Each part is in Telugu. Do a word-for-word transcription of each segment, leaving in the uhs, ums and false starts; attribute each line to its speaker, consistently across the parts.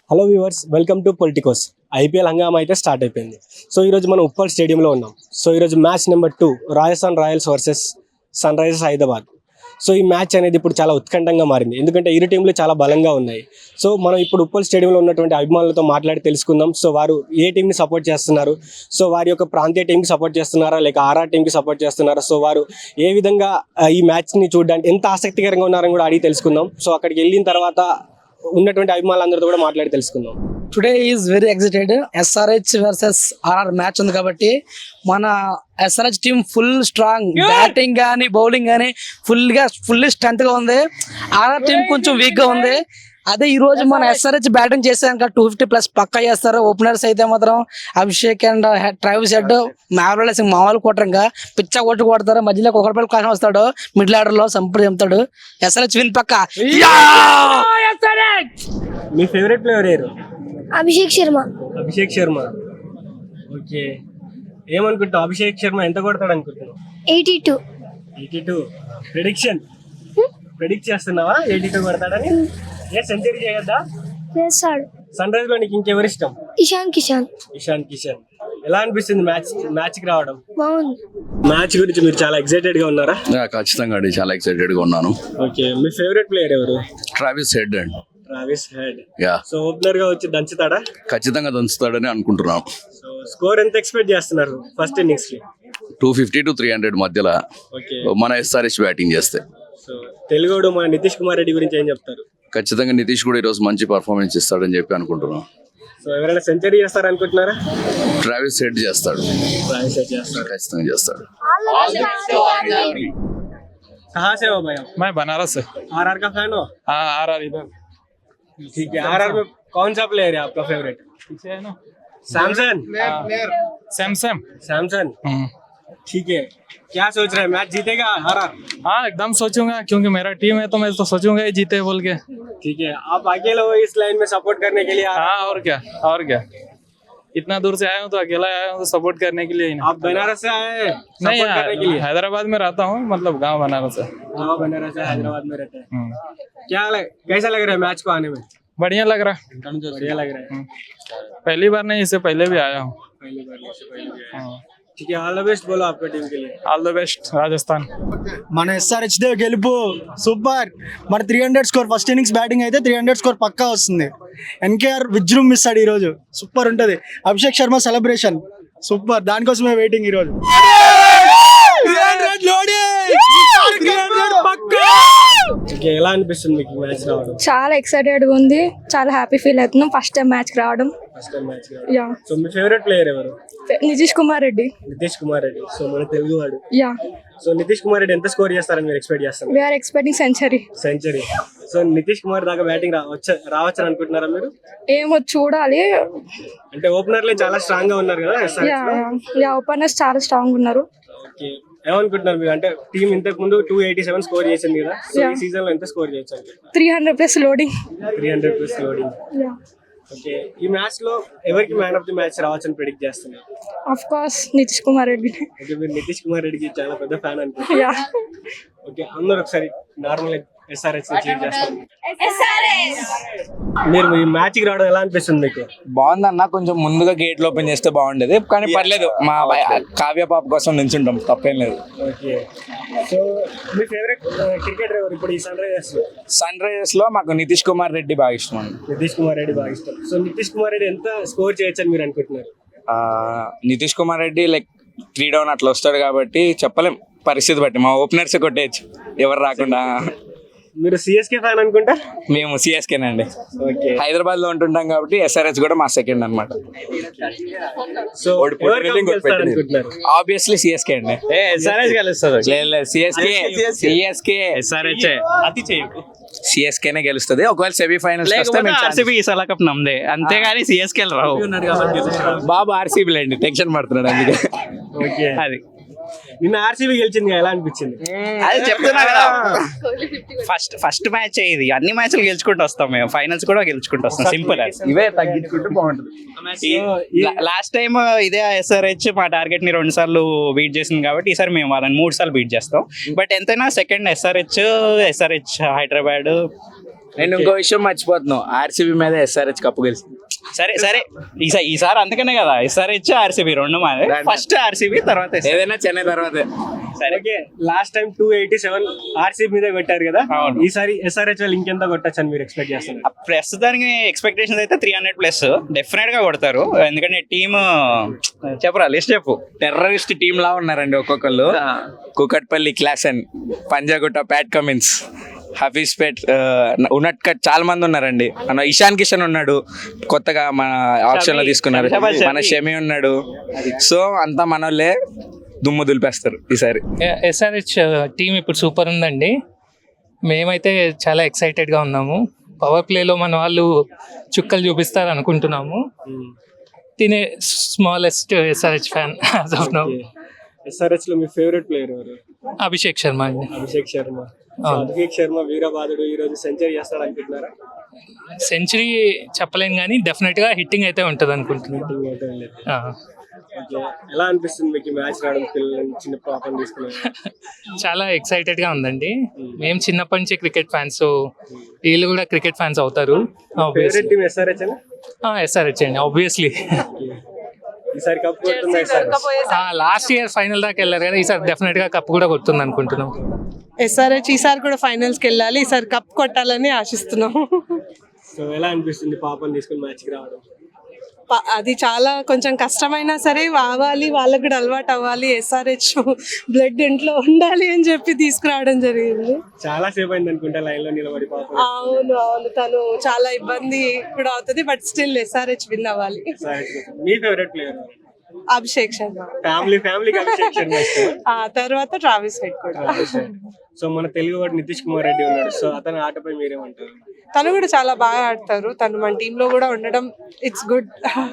Speaker 1: Hello viewers, welcome to Politicos. IPL హంగామా అయితే స్టార్ట్ అయిపోయింది. సో ఈరోజు మనం ఉప్పల్ స్టేడియంలో ఉన్నాం. సో ఈరోజు match number two Rajasthan Royals versus Sunrisers Hyderabad. So ఈ మ్యాచ్ అనేది ఇప్పుడు చాలా ఉత్కంఠంగా మారింది, ఎందుకంటే ఇరు టీంలు చాలా బలంగా ఉన్నాయి. సో మనం ఇప్పుడు ఉప్పల్ స్టేడియంలో ఉన్నటువంటి అభిమానులతో మాట్లాడి తెలుసుకుందాం. సో వారు ఏ టీంని సపోర్ట్ చేస్తున్నారు, సో వారి యొక్క ప్రాంతీయ టీంకి సపోర్ట్ చేస్తున్నారా లేక ఆర్ఆర్ టీంకి సపోర్ట్ చేస్తున్నారా, సో వారు ఏ విధంగా ఈ మ్యాచ్ని చూడడానికి ఎంత ఆసక్తికరంగా ఉన్నారని కూడా అడిగి తెలుసుకుందాం. సో అక్కడికి వెళ్ళిన తర్వాత ఉన్నటువంటి అభిమానులందరితో కూడా మాట్లాడి తెలుసుకుందాం.
Speaker 2: Today is very excited. SRH versus RR match ఉంది కాబట్టి మన SRH team full strong, batting కానీ బౌలింగ్ కానీ ఫుల్ గా ఫుల్ స్ట్రెంత్ గా ఉంది. ఆర్ఆర్ టీం కొంచెం వీక్ గా ఉంది. అదే ఈ రోజు మన ఎస్ఆర్హెచ్ బ్యాటింగ్ చేసాక టూ ఫిఫ్టీ ప్లస్ పక్కా చేస్తారు. ఓపెనర్స్ అయితే మాత్రం అభిషేక్ అండ్ ట్రావిస్ హెడ్ మ్యావరల్ సింగ్ మామూలు కొట్టరు, ఇంకా పిచ్చ కొట్టు కొడతారు. మధ్యలో ఒకటి కాసం వస్తాడు, మిడిల్ ఆర్డర్ లో సంపూర్ణ చెప్తాడు. ఎస్ఆర్హెచ్ విన్ పక్క.
Speaker 1: మీ ఫేవరెట్ ప్లేయర్ ఎవరు?
Speaker 3: అభిషేక్ శర్మ.
Speaker 1: అభిషేక్ శర్మ. ఓకే, ఏమనుకుంటావు? అభిషేక్ శర్మ ఎంత కొడతాడు అనుకుంటున్నావు?
Speaker 3: Eighty two.
Speaker 1: Eighty two prediction predict చేస్తున్నావా ఎయిటీ టూ కొడతాడని? ఏ సెంచరీ చేయొద్దా?
Speaker 3: చేస్తాడు.
Speaker 1: సన్ రైజ్ లో నీకు ఇంకెవరు ఇష్టం?
Speaker 3: ఇషాన్ కిషాన్.
Speaker 1: ఇషాన్ కిషన్. ఎలా అనిపిస్తుంది మ్యాచ్ మ్యాచ్ కి రావడం?
Speaker 3: బాగుంది.
Speaker 1: మ్యాచ్ గురించి మీరు చాలా ఎక్సైటెడ్ గా ఉన్నారా?
Speaker 4: ఖచ్చితంగా అండి, చాలా ఎక్సైటెడ్ గా ఉన్నాను.
Speaker 1: ఓకే, మీ ఫేవరెట్ ప్లేయర్ ఎవరు?
Speaker 4: ట్రావిస్ హెడ్ అండి.
Speaker 1: Travis Head.
Speaker 4: Yeah,
Speaker 1: so opener గా వచ్చి దంచుతాడా?
Speaker 4: ఖచ్చితంగా దంచుతాడని అనుకుంటున్నాం.
Speaker 1: సో స్కోర్ ఎంత ఎక్స్పెక్ట్ చేస్తున్నారు ఫస్ట్ ఇన్నింగ్స్ కి?
Speaker 4: Two fifty to three hundred మధ్యలో
Speaker 1: ఓకే,
Speaker 4: మన ఎస్ఆర్హెచ్ బ్యాటింగ్ చేస్తే.
Speaker 1: సో తెలుగుడు మన నితీష్ కుమార్ రెడ్డి గురించి ఏం చెప్తారు?
Speaker 4: ఖచ్చితంగా నితీష్ కూడా ఈరోజు మంచి పర్ఫార్మెన్స్ ఇస్తాడని చెప్పి అనుకుంటున్నాం.
Speaker 1: సో ఎవరైనా సెంచరీ చేస్తారు అనుకుంటున్నారా?
Speaker 4: ట్రావిస్ హెడ్ చేస్తాడు.
Speaker 1: ట్రావిస్ హెడ్ చేస్తారు.
Speaker 4: ఖచ్చితంగా చేస్తాడు.
Speaker 1: कहाँ से हो भाई आप?
Speaker 5: मैं बनारस से।
Speaker 1: आरआर का फैन हो?
Speaker 5: हाँ आर आर इधर
Speaker 1: ठीक है, आरआर में कौन सा प्लेयर है आपका फेवरेट?
Speaker 5: पीछे है ना
Speaker 1: सैमसन.
Speaker 5: सैमसंग।
Speaker 1: सैमसन, ठीक है. क्या सोच रहे हैं, मैच जीतेगा आरआर?
Speaker 5: हाँ एकदम सोचूंगा, क्योंकि मेरा टीम है तो मैं तो सोचूंगा ही जीते बोल के।
Speaker 1: ठीक है, आप अकेले हो इस लाइन में सपोर्ट करने के लिए?
Speaker 5: हाँ और क्या और क्या, इतना दूर से आया हूँ तो अकेला आया हूँ तो सपोर्ट करने के लिए ही ना।
Speaker 1: आप बनारस से आए हैं
Speaker 5: नहीं
Speaker 1: सपोर्ट करने के लिए?
Speaker 5: हैदराबाद में रहता हूँ, मतलब गांव बनारस है।
Speaker 1: हाँ, बनारस से हैदराबाद में रहते हैं. क्या लग, कैसा लग रहा है मैच को आने में?
Speaker 5: बढ़िया लग रहा है,
Speaker 1: बढ़िया लग रहा है.
Speaker 5: पहली बार नहीं, इससे पहले भी आया हूँ.
Speaker 1: पहली बार इससे पहले भी आए हैं. ठीक है, ऑल द बेस्ट बोलो आपका टीम के लिए.
Speaker 5: All the best Rajasthan.
Speaker 2: మన ఎస్ఆర్హెచ్ దే గెలుపు సూపర్. మన three hundred score first innings batting అయితే త్రీ హండ్రెడ్ స్కోర్ పక్కా వస్తుంది. ఎన్కేఆర్ విజృంభిస్తాడు ఈ రోజు, సూపర్ ఉంటది. అభిషేక్ శర్మ సెలబ్రేషన్ సూపర్, దానికోసమే వెయిటింగ్ ఈ రోజు.
Speaker 1: ఎలా అనిపిస్తుంది మీకు మ్యాచ్ రావడం?
Speaker 6: చాలా ఎక్సైటెడ్ గా ఉంది, చాలా హ్యాపీ ఫీల్ అవుతున్నాం ఫస్ట్ టైం మ్యాచ్ కి రావడం.
Speaker 1: First time match
Speaker 6: yeah.
Speaker 1: So మీ ఫేవరెట్ ప్లేయర్ ఎవరు?
Speaker 6: నితీష్ కుమార్ రెడ్డి.
Speaker 1: నితీష్ కుమార్ రెడ్డి. సో మన తెలుగు వాడు.
Speaker 6: యా.
Speaker 1: సో నితీష్ కుమార్ రెడ్డి ఎంత స్కోర్ చేస్తారని మీరు ఎక్స్పెక్ట్ చేస్తారు?
Speaker 6: We are expecting century.
Speaker 1: Century. So Nitish Kumar దాకా బ్యాటింగ్ రావచ్చు రావచ్చు అనుకుంటున్నారా మీరు?
Speaker 6: ఏమో చూడాలి.
Speaker 1: అంటే ఓపెనర్లే చాలా స్ట్రాంగ్ గా ఉన్నారు కదా ఎస్ఆర్హెచ్
Speaker 6: యా
Speaker 1: లో.
Speaker 6: యా ఓపెనర్స్ చాలా స్ట్రాంగ్ ఉన్నారు.
Speaker 1: ఓకే, ఏమనుకుంటున్నారు మీరు? అంటే టీం ఇంతకు ముందు టూ ఎయిటీ సెవెన్ స్కోర్ చేసింది కదా, సో ఈ సీజన్ లో ఎంత స్కోర్ చేయొచ్చు?
Speaker 6: Three hundred plus loading.
Speaker 1: Three hundred plus loading.
Speaker 6: Yeah.
Speaker 1: Okay, ఈ మ్యాచ్ లో ఎవరికి మ్యాన్ ఆఫ్ ది మ్యాచ్ రావచ్చు అని ప్రెడిక్ట్ చేస్తున్నారు?
Speaker 6: Of course Nitish Kumar Reddy.
Speaker 1: Okay, మీరు నితీష్ కుమార్ రెడ్డికి చాలా పెద్ద ఫ్యాన్ అనుకుంటున్నారు.
Speaker 6: యా.
Speaker 1: ఓకే, అందరూ ఒకసారి నార్మల్ ఎస్ఆర్హెచ్ చీట్ చేస్తారు. మీరు ఈ మ్యాచ్ కి రావడం ఎలా అనిపిస్తుంది మీకు?
Speaker 7: బాగుందన్న, కొంచెం ముందుగా గేట్లు ఓపెన్ చేస్తే బాగుండేది, కానీ పర్లేదు. మా కావ్య పాప కోసం నించుంటాం, తప్పేం లేదు.
Speaker 1: ఓకే, సో మీ ఫేవరెట్ క్రికెటర్ ఎవరు ఇప్పుడు ఈ సన్ రైజర్స్ లో?
Speaker 7: సన్ రైజర్స్ లో మాకు నితీష్ కుమార్ రెడ్డి బాగా ఇష్టం అండి.
Speaker 1: నితీష్ కుమార్ రెడ్డి బాగా ఇష్టం. సో నితీష్ కుమార్ రెడ్డి ఎంత స్కోర్ చేయొచ్చు అని మీరు అనుకుంటున్నారు?
Speaker 7: ఆ, Nitish Kumar Reddy like three down అట్లా వస్తాడు కాబట్టి చెప్పలేం, పరిస్థితి బట్టి. మా ఓపెనర్స్ కొట్టేయచ్చు ఎవరు రాకుండా.
Speaker 1: మీరు సిఎస్కే ఫ్యాన్ అనుకుంటా?
Speaker 7: మేము సిఎస్కేనండి.
Speaker 1: ఓకే,
Speaker 7: హైదరాబాద్ లో ఉంటుంటాం కాబట్టి ఎస్ఆర్హెచ్ కూడా మా సెకండ్ అనమాట.
Speaker 1: సో అనుకుంటున్నారు?
Speaker 7: ఆబ్వియస్లీ సిఎస్కే అండి. సిఎస్కే సిఎస్కే ఎస్ఆర్హెచ్ సిఎస్కేనే గెలుస్తుంది. ఒకవేళ సెమీఫైనల్స్ నమ్మదే, అంతేగాని సిఎస్కే రావు. బాబు ఆర్సీబీ అండి, టెన్షన్ పడుతున్నాడు అందుకే.
Speaker 1: ఓకే,
Speaker 7: అది
Speaker 1: నిన్న ఆర్సీబీ గెలిచింది, ఎలా అనిపించింది?
Speaker 7: అది చెప్తున్నా కదా, ఫస్ట్ ఫస్ట్ మ్యాచ్ ఇది, అన్ని మ్యాచ్లు గెలుచుకుంటూ వస్తాం మేము, ఫైనల్స్ కూడా గెలుచుకుంటూ వస్తాం. సింపుల్, ఇవే తగ్గించుకుంటూ బాగుంటుంది. లాస్ట్ టైం ఇదే ఎస్ఆర్హెచ్ మా టార్గెట్ ని రెండు సార్లు బీట్ చేసింది కాబట్టి ఈసారి మేము వాళ్ళని మూడు సార్లు బీట్ చేస్తాం. బట్ ఎంతైనా సెకండ్ ఎస్ఆర్హెచ్ ఎస్ఆర్హెచ్ హైదరాబాద్
Speaker 8: నేను ఇంకో విషయం మర్చిపోతున్నాను, ఆర్సీబీ మీద ఎస్ఆర్హెచ్ కప్పు గెలిచింది.
Speaker 7: సరే సరే ఈసారి ఈసారి అందుకనే కదా ఎస్ఆర్హెచ్ ఆర్సీబీ రెండు మాదే. ఫస్ట్ ఆర్సీబీ తర్వాత S R H.
Speaker 8: ఏదైనా చెన్నై తర్వాతే.
Speaker 7: సరే
Speaker 1: okay, last time two eighty seven RCB మీద కొట్టారు కదా,
Speaker 7: అవును.
Speaker 1: ఈసారి ఎస్ఆర్హెచ్ వాళ్ళు ఇంకెంత కొట్టచ్చు అని మీరు ఎక్స్పెక్ట్ చేస్తున్నారు?
Speaker 7: ప్రస్తుతానికి ఎక్స్పెక్టేషన్స్ అయితే త్రీ హండ్రెడ్ ప్లస్ డెఫినెట్ గా కొడతారు. ఎందుకంటే టీమ్ చెప్పరా లిస్ట్ చెప్పు.
Speaker 8: టెర్రరిస్ట్ టీమ్ లా ఉన్నారండి ఒక్కొక్కళ్ళు. Kukatpally Klaasen, Panjagutta Pat Cummins, Hafeezpet, Unadkat చాలా మంది ఉన్నారండి. మన ఇషాన్ కిషన్ ఉన్నాడు, కొత్తగా మన ఆప్షన్ లో తీసుకున్నారు. మన షమి ఉన్నాడు. సో అంతా మనోళ్ళే దుమ్ము దులిపేస్తారు ఈసారి.
Speaker 9: ఎస్ఆర్హెచ్ టీం ఇప్పుడు సూపర్ ఉందండి. మేమైతే చాలా ఎక్సైటెడ్గా ఉన్నాము. పవర్ ప్లేలో మన వాళ్ళు చుక్కలు చూపిస్తారు అనుకుంటున్నాము. తినే smallest SRH fan as of now.
Speaker 1: SRH లో మీ ఫేవరెట్ ప్లేయర్ ఎవరు?
Speaker 9: అభిషేక్ శర్మ అండి.
Speaker 1: అభిషేక్ శర్మ. సో
Speaker 9: అవును.
Speaker 1: అభిషేక్ శర్మ వీరబాదుడు ఈ రోజు సెంచరీ చేస్తాడు అనుకుంటున్నారా?
Speaker 9: సెంచరీ చెప్పలేను కానీ డెఫినెట్గా హిట్టింగ్ అయితే ఉంటుంది అనుకుంటున్నాను.
Speaker 1: Batting అయితే లేదు.
Speaker 9: ఆ.
Speaker 1: ఓకే, ఎలా అనిపిస్తుంది మీకు మ్యాచ్ రావడం, పిల్లలు చిన్న పాపం తీసుకున్నారు?
Speaker 9: చాలా ఎక్సైటెడ్గా ఉందండి. మేము చిన్నప్పటి నుంచి క్రికెట్ ఫ్యాన్స్, సో వీళ్ళు కూడా క్రికెట్ ఫ్యాన్స్ అవుతారు.
Speaker 1: ఫేవరెట్ టీమ్ ఎస్ఆర్హెచ్ అని?
Speaker 9: ఎస్ఆర్హెచ్ అండి ఆబ్వియస్లీ.
Speaker 1: ఈసారి కప్ కొడుతుంది ఎస్ఆర్హెచ్.
Speaker 9: లాస్ట్ ఇయర్ ఫైనల్ దాకా వెళ్ళారు కదా, ఈసారి డెఫినెట్గా కప్ కూడా కొడుతుంది అనుకుంటున్నాం.
Speaker 10: ఎస్ఆర్హెచ్ ఈసారి కూడా ఫైనల్స్కి వెళ్ళాలి, ఈసారి కప్ కొట్టాలని ఆశిస్తున్నాం.
Speaker 1: సో ఎలా అనిపిస్తుంది పాపం తీసుకుని మ్యాచ్ కి రావడం?
Speaker 10: ప- అది చాలా కొంచెం కష్టమైనా సరే అవ్వాలి, వాళ్ళకు కూడా అలవాటు అవ్వాలి. ఎస్ఆర్హెచ్ బ్లడ్ ఇంట్లో ఉండాలి అని చెప్పి తీసుకురావడం జరిగింది.
Speaker 1: చాలా సేపు అయింది అనుకుంటా లైన్ లో నిలబడి పాపం.
Speaker 10: అవును అవును తను చాలా ఇబ్బంది కూడా అవుతుంది, బట్ స్టిల్ ఎస్ఆర్హెచ్ విన్ అవ్వాలి.
Speaker 1: SRH కోసం. మీ favourite player?
Speaker 10: Abhishek Sharma,
Speaker 1: family ఫ్యామిలీకి అభిషేక్ శర్మ ఇష్టమా?
Speaker 10: ఆ తర్వాత ట్రావిస్ హెడ్ కూడా.
Speaker 1: సో మన తెలుగు వాడు నితీష్ కుమార్ రెడ్డి ఉన్నాడు, సో అతని ఆటపై మీరేమంటారు?
Speaker 10: తను కూడా చాలా బాగా ఆడతారు, తను మన టీమ్ లో కూడా ఉండడం ఇట్స్ గుడ్.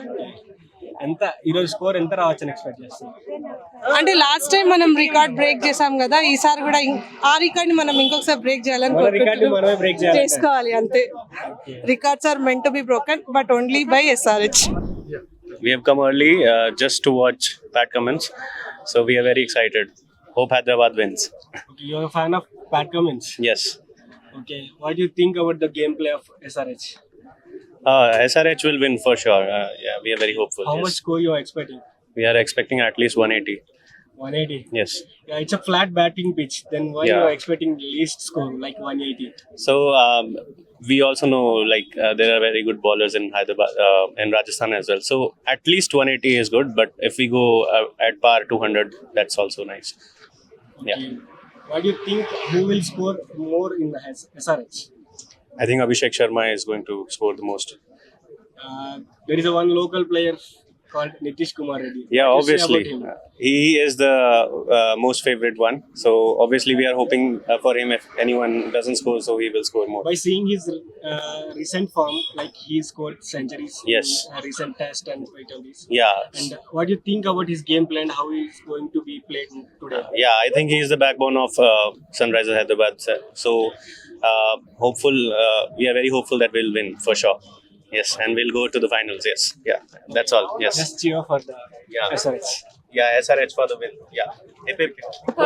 Speaker 1: ఎంత ఈరోజు స్కోర్ ఎంత రావచ్చని ఎక్స్పెక్ట్ చేస్తున్నారు?
Speaker 10: అంటే లాస్ట్ టైం మనం రికార్డ్ బ్రేక్ చేసాం కదా, ఈసారి కూడా ఇం- ఆ రికార్డ్ ని మనం ఇంకొకసారి బ్రేక్ చేయాలని
Speaker 1: మన రికార్డు మనమే బ్రేక్
Speaker 10: కోరుకుంటున్నాం.
Speaker 1: చేయాలి.
Speaker 10: చేసుకోవాలి అంతే. Records are meant to be broken but only by SRH.
Speaker 11: We have come early uh, just to watch Pat Cummins, so we are very excited. Hope Hyderabad wins.
Speaker 1: Okay, you are a fan of Pat Cummins.
Speaker 11: Yes.
Speaker 1: Okay, what do you think about the gameplay of SRH?
Speaker 11: Uh, S R H will win for sure. Uh, yeah, we are very hopeful.
Speaker 1: How
Speaker 11: yes.
Speaker 1: much score you are expecting?
Speaker 11: We are expecting at least one eighty.
Speaker 1: one eighty.
Speaker 11: Yes.
Speaker 1: Yeah, it's a flat batting pitch. Then why
Speaker 11: Yeah.
Speaker 1: you are expecting least score like one eighty?
Speaker 11: So um, we also know like uh, there are very good bowlers in Hyderabad, uh, in Rajasthan as well. So at least one eighty is good. But if we go uh, at par two hundred, that's also nice. Yeah.
Speaker 1: Okay. What do you think? Who will score more in the S R H?
Speaker 11: I think Abhishek Sharma is going to score the most.
Speaker 1: Uh, there is a one local player called Nitish Kumar Reddy.
Speaker 11: Yeah,
Speaker 1: What do you say
Speaker 11: obviously.
Speaker 1: about him?
Speaker 11: Uh, He is the uh, most favorite one. So obviously we are hoping uh, for him if anyone doesn't score, so he will score more.
Speaker 1: By seeing his uh, recent form, like he scored centuries
Speaker 11: Yes.
Speaker 1: in a recent test and quite all this.
Speaker 11: Yeah.
Speaker 1: And what do you think about his game plan? How he is going to be played today?
Speaker 11: Yeah, I think he is the backbone of uh, Sunrisers Hyderabad. So uh, hopeful, uh, we are very hopeful that we'll win for sure. Yes, and we'll go to the finals. Yes, yeah, that's all. Yes,
Speaker 1: Just cheer for the
Speaker 11: Yeah.
Speaker 1: S R H.
Speaker 11: yeah, S R H for the win. Yeah, hip hip.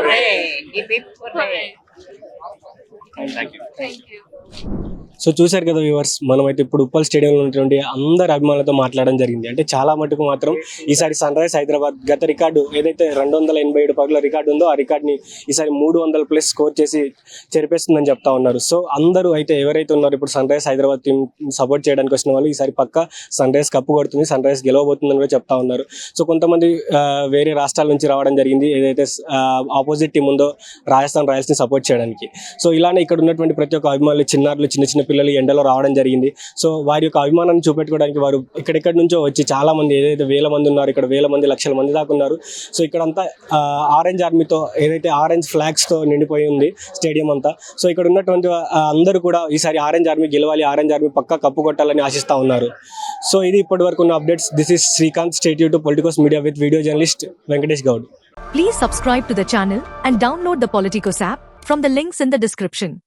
Speaker 11: Thank you.
Speaker 1: So చూశారు కదా వ్యూవర్స్, మనమైతే ఇప్పుడు ఉప్పల్ స్టేడియంలో ఉన్నటువంటి అందరు అభిమానులతో మాట్లాడడం జరిగింది. అంటే చాలా మటుకు మాత్రం ఈసారి సన్ రైజ్ హైదరాబాద్ గత రికార్డు ఏదైతే రెండు వందల ఎనభై ఏడు పరుగుల రికార్డు ఉందో ఆ రికార్డ్ని ఈసారి మూడు వందల ప్లస్ స్కోర్ చేసి చెరిపేస్తుందని చెప్తా ఉన్నారు. సో అందరూ అయితే ఎవరైతే ఉన్నారో ఇప్పుడు Sunrise Hyderabad team support చేయడానికి వచ్చిన వాళ్ళు ఈసారి పక్క సన్ రైజ్ కప్పు కొడుతుంది, సన్ రైజ్ గెలవబోతుందని కూడా చెప్తా ఉన్నారు. సో కొంతమంది ఆ, వేరే రాష్ట్రాల నుంచి రావడం జరిగింది, ఏదైతే ఆపోజిట్ టీం ఉందో రాజస్థాన్ రాయల్స్ని సపోర్ట్ చేయడానికి. సో ఇలానే ఇక్కడ ఉన్నటువంటి ప్రతి ఒక్క అభిమానులు, చిన్నారులు, చిన్న చిన్న పిల్లలు ఎండలో రావడం జరిగింది. సో వారి యొక్క అభిమానాన్ని చూపెట్టుకోవడానికి వారు ఇక్కడెక్కడి నుంచో వచ్చి చాలా మంది, ఏదైతే వేల మంది ఉన్నారు, ఇక్కడ వేల మంది లక్షల మంది దాకా ఉన్నారు. సో ఇక్కడంతా ఆరెంజ్ ఆర్మీతో, ఏదైతే ఆరెంజ్ ఫ్లాగ్స్తో నిండిపోయి ఉంది స్టేడియం అంతా. సో ఇక్కడ ఉన్నటువంటి ఆ, అందరూ కూడా ఈసారి ఆరెంజ్ ఆర్మీ గెలవాలి, ఆరెంజ్ ఆర్మీ పక్కా కప్పు కొట్టాలని ఆశిస్తూ ఉన్నారు. సో ఇది ఇప్పటి వరకు ఉన్న updates. This is Srikanth, stay యూ to Politicos media with video journalist Venkatesh Goud.
Speaker 12: Please subscribe to the channel and download the Politicos app from the links in the description.